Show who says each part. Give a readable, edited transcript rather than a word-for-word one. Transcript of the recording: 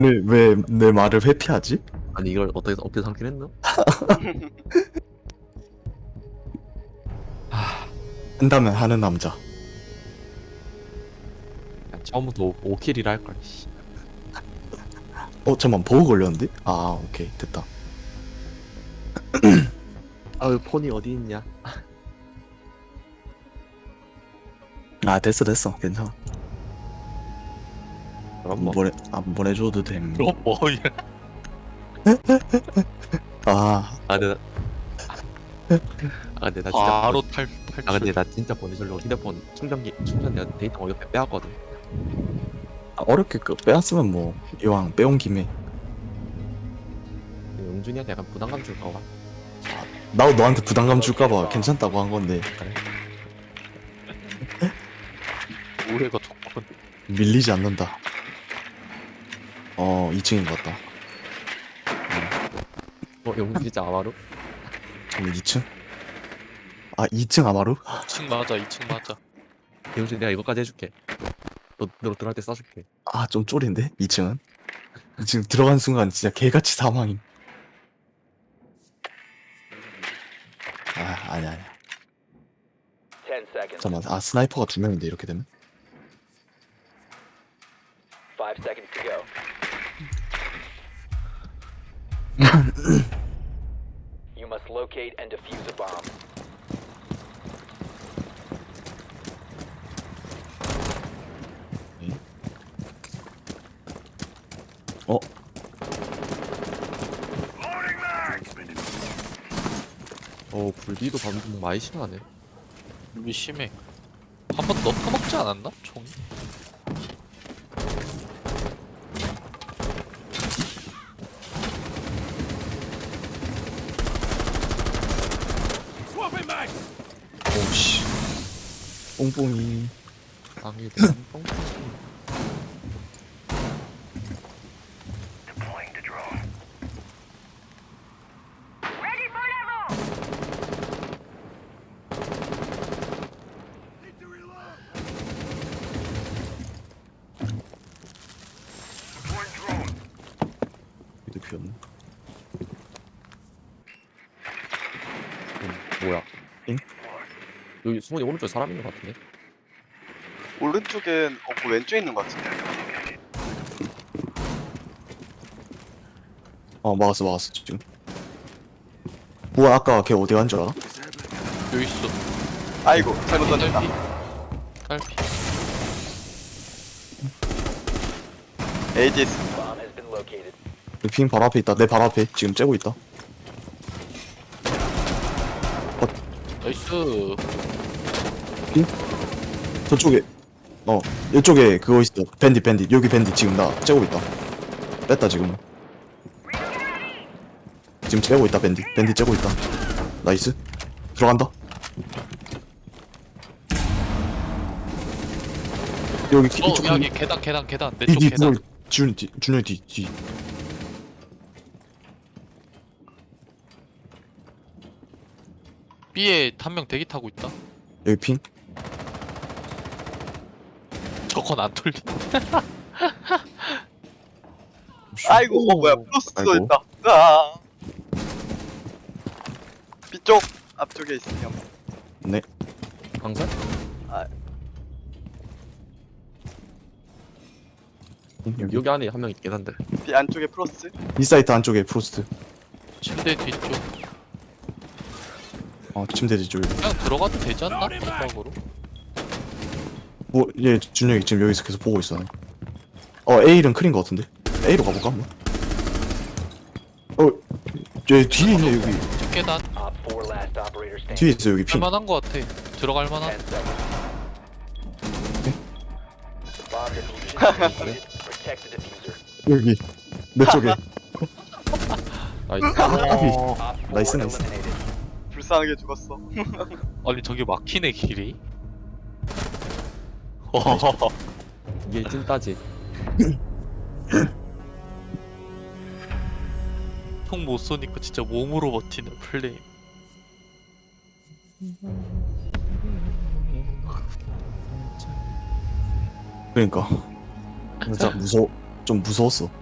Speaker 1: 왜 내 말을 회피하지?
Speaker 2: 아니 이걸 어떻게 삼긴 했나?
Speaker 1: 한다면 하는 남자.
Speaker 2: 야, 처음부터 5킬이라 할걸.
Speaker 1: 잠만 버그 걸렸는데? 아 오케이 됐다.
Speaker 2: 아유 폰이 어디 있냐?
Speaker 1: 아 됐어 괜찮아.
Speaker 2: 그럼 뭐.
Speaker 1: 안 보내줘도 됨.
Speaker 3: 그럼 뭐야?
Speaker 1: 아
Speaker 2: 아 근데 나 진짜
Speaker 3: 바로 탈출.
Speaker 2: 근데 나 진짜 보내주려고 휴대폰 충전 내가 데이터 어렵게 빼왔거든.
Speaker 1: 어렵게 빼앗으면 뭐 이왕 빼온 김에
Speaker 2: 용준이한테 약간 부담감 줄까 봐.
Speaker 1: 나도 너한테 부담감 줄까봐 괜찮다고 한 건데
Speaker 3: 우회가 좋군.
Speaker 1: 밀리지 않는다. 2층인 것 같다.
Speaker 2: 용준 진짜 아마루?
Speaker 1: 잠깐 2층? 아 2층 아마루?
Speaker 3: 2층 맞아, 2층 맞아.
Speaker 2: 용준 내가 이거까지 해줄게. 너 들어갈 때 써줄게.
Speaker 1: 아 좀 쫄인데 2층은? 지금 들어간 순간 진짜 개같이 사망임. 아니야
Speaker 4: 10 seconds.
Speaker 1: 잠깐만 스나이퍼가 2명인데 이렇게 되면?
Speaker 4: 5 seconds to go. You must locate and defuse a bomb.
Speaker 1: 어?
Speaker 2: 불비도 방금 많이 심하네.
Speaker 3: 우리 심해. 한 번 너 터먹지 않았나? 총이?
Speaker 1: 오씨 뽕뽕이
Speaker 2: 방이 되는 뻥뻥.
Speaker 1: 이도 피었네.
Speaker 2: 뭐야?
Speaker 1: 응?
Speaker 2: 여기 수문이 오른쪽에 사람 있는 것 같은데?
Speaker 5: 오른쪽엔 없고 왼쪽에 있는 것 같은데.
Speaker 1: 막았어 지금. 뭐야 아까 걔 어디 간 줄 알아?
Speaker 3: 여기 있어.
Speaker 5: 아이고 잘못 던졌다.
Speaker 3: 딸피.
Speaker 5: ADS.
Speaker 4: Bomb has been located.
Speaker 1: 핑 바로 앞에 있다. 내 바로 앞에 지금 째고 있다.
Speaker 3: 나이스.
Speaker 1: 저쪽에 이쪽에 그거 있어. 밴딧 여기 밴딧 지금 나 째고 있다. 뺐다 지금. 지금 째고 있다 밴딧 째고 있다. 나이스. 들어간다. 여기 이쪽
Speaker 3: 여기 계단. 내
Speaker 1: 뒤
Speaker 3: 쪽
Speaker 1: 뒤
Speaker 3: 계단.
Speaker 1: 준현 뒤.
Speaker 3: B에 한 명 대기 타고 있다.
Speaker 1: 여기 핑.
Speaker 3: 저건 안 뚫리.
Speaker 5: 아이고 뭐야 플러스
Speaker 1: 아이고.
Speaker 5: 던졌다. 아. B쪽 앞쪽에 있으면.
Speaker 1: 네.
Speaker 2: 방살? 여기 안에 한 명 있긴 한데.
Speaker 5: B 안쪽에 플러스.
Speaker 1: 이 사이트 안쪽에 프로스트.
Speaker 3: 침대 뒤쪽.
Speaker 1: 침대 뒤쪽에.
Speaker 3: 그냥 들어가도 되지 않나? 이방으로.
Speaker 1: 얘 준영이 지금 여기서 계속 보고 있어. A는 클인 것 같은데. A로 가볼까 한번. 얘 뒤에 있네 여기.
Speaker 3: 계단.
Speaker 4: Op 4 last operator standing.
Speaker 1: 뒤에 있어 여기 핑.
Speaker 3: 할만한 거 같아. 들어갈 만한.
Speaker 4: 10 seconds. Bomb diffusion completed. Protect the diffuser.
Speaker 1: 여기 내 쪽에.
Speaker 2: 나이스.
Speaker 4: Op 4
Speaker 1: 나이스.
Speaker 4: eliminated.
Speaker 5: 불쌍하게 죽었어.
Speaker 3: 아니 저기 막히네 길이.
Speaker 2: 이게 찐따지.
Speaker 3: 총 못 쏘니까 진짜 몸으로 버티는 플레임.
Speaker 1: 그러니까. 진짜 좀 무서웠어.